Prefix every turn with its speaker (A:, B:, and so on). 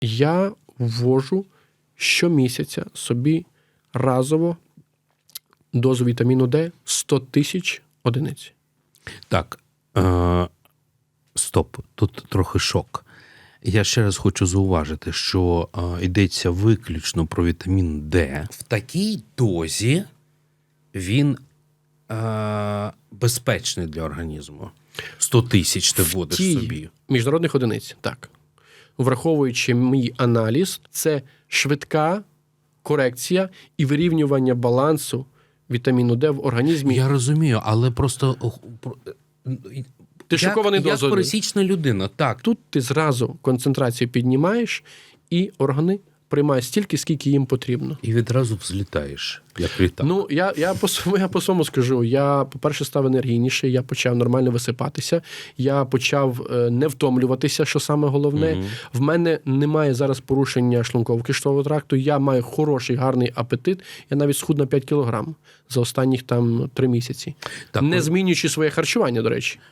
A: Я ввожу щомісяця собі разово дозу вітаміну Д 100 тисяч одиниць.
B: Так, стоп, тут трохи шок. Я ще раз хочу зауважити, що йдеться виключно про вітамін Д. В такій дозі він безпечний для організму. 100 тисяч ти вводиш собі.
A: Міжнародних одиниць, так. Враховуючи мій аналіз, це швидка корекція і вирівнювання балансу вітаміну Д в організмі.
B: Я розумію, але просто...
A: Ти шокований дозою.
B: Як пересічна людина, так.
A: Тут ти зразу концентрацію піднімаєш, і органи приймають стільки, скільки їм потрібно.
B: І відразу взлітаєш, як літак.
A: Ну, я по своєму скажу. Я, по-перше, став енергійніший, я почав нормально висипатися, я почав не втомлюватися, що саме головне. В мене немає зараз порушення шлунково-кишкового тракту, я маю хороший, гарний апетит, я навіть схуд на 5 кілограм за останніх 3 місяці.
B: Так,
A: не змінюючи своє харчування, до речі.